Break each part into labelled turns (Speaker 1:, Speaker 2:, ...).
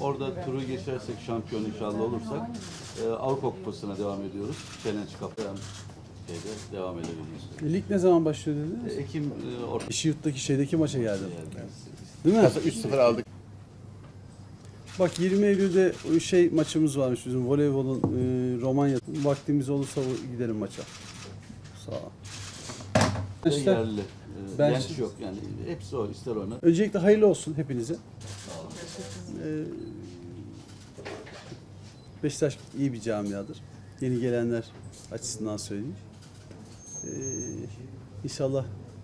Speaker 1: orada turu geçersek, şampiyon inşallah olursak Avrupa Kupası'na devam ediyoruz. Challenge Cup'ta şeyde devam edebiliriz.
Speaker 2: Lig ne zaman başlıyor dediniz?
Speaker 1: Ekim orta
Speaker 2: Şiirt'teki şeydeki maça geldim.
Speaker 1: yani.
Speaker 2: Değil mi?
Speaker 3: 3-0 aldık.
Speaker 2: Bak 20 Eylül'de şey maçımız varmış bizim voleybolun Romanya. Vaktimiz olursa gidelim maça. Sağ ol. İşte,
Speaker 1: Yerli.
Speaker 2: Ben-
Speaker 1: Genç yok yani. Hepsi o. İster oynar.
Speaker 2: öncelikle hayırlı olsun hepinize. Beşiktaş iyi bir camiadır. Yeni gelenler açısından söyleyeyim. İnşallah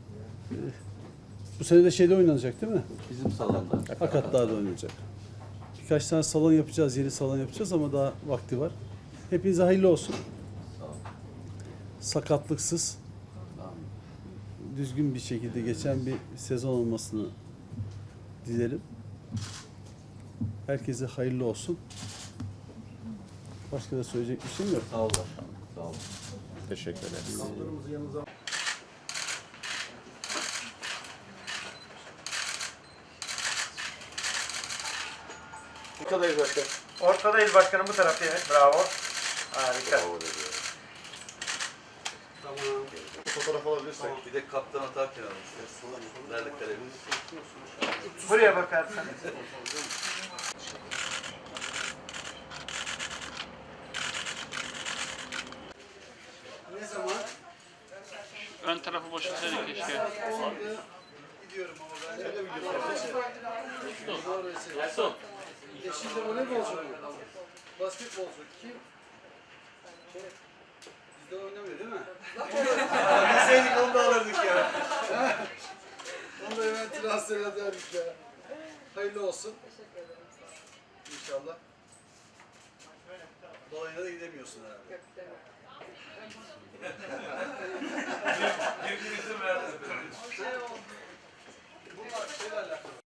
Speaker 2: bu sene de şeyde oynanacak değil mi?
Speaker 1: Bizim salonda.
Speaker 2: Akatlar'da oynayacak. Birkaç tane salon yapacağız, yeni salon yapacağız ama daha vakti var. Hepinize hayırlı olsun. Sakatlıksız, düzgün bir şekilde geçen bir sezon olmasını dilerim. Herkese hayırlı olsun. Başka da söyleyecek bir şeyim yok.
Speaker 1: Sağ ol başkanım. Sağ ol.
Speaker 3: Teşekkür ederiz.
Speaker 4: Ortadayız başkanım.
Speaker 5: Ortadayız başkanım, bu tarafta, evet. Bravo. Harika.
Speaker 4: Fotoğraf alabilirsek.
Speaker 1: Bir de kaptan atarken almışlar. Nerede kalemiz?
Speaker 5: Buraya bakarsanız.
Speaker 2: Ne zaman?
Speaker 6: Ön tarafı boşaltsaydık keşke.
Speaker 2: Gidiyorum ama ben öyle biliyorum. Eşinde voleybolcu mu? Basketbolcu. Kim? Bizde oynamıyor değil mi? Bilseydik onu da alırdık ya. Onu da hemen transfer ederdik ya. Hayırlı olsun.
Speaker 7: Teşekkür ederim.
Speaker 2: İnşallah. Dolayına da gidemiyorsun herhalde.
Speaker 7: Yok, demiyorum.
Speaker 1: Birbirinizin verdiniz.
Speaker 2: Bunlar şeylerle alakalı.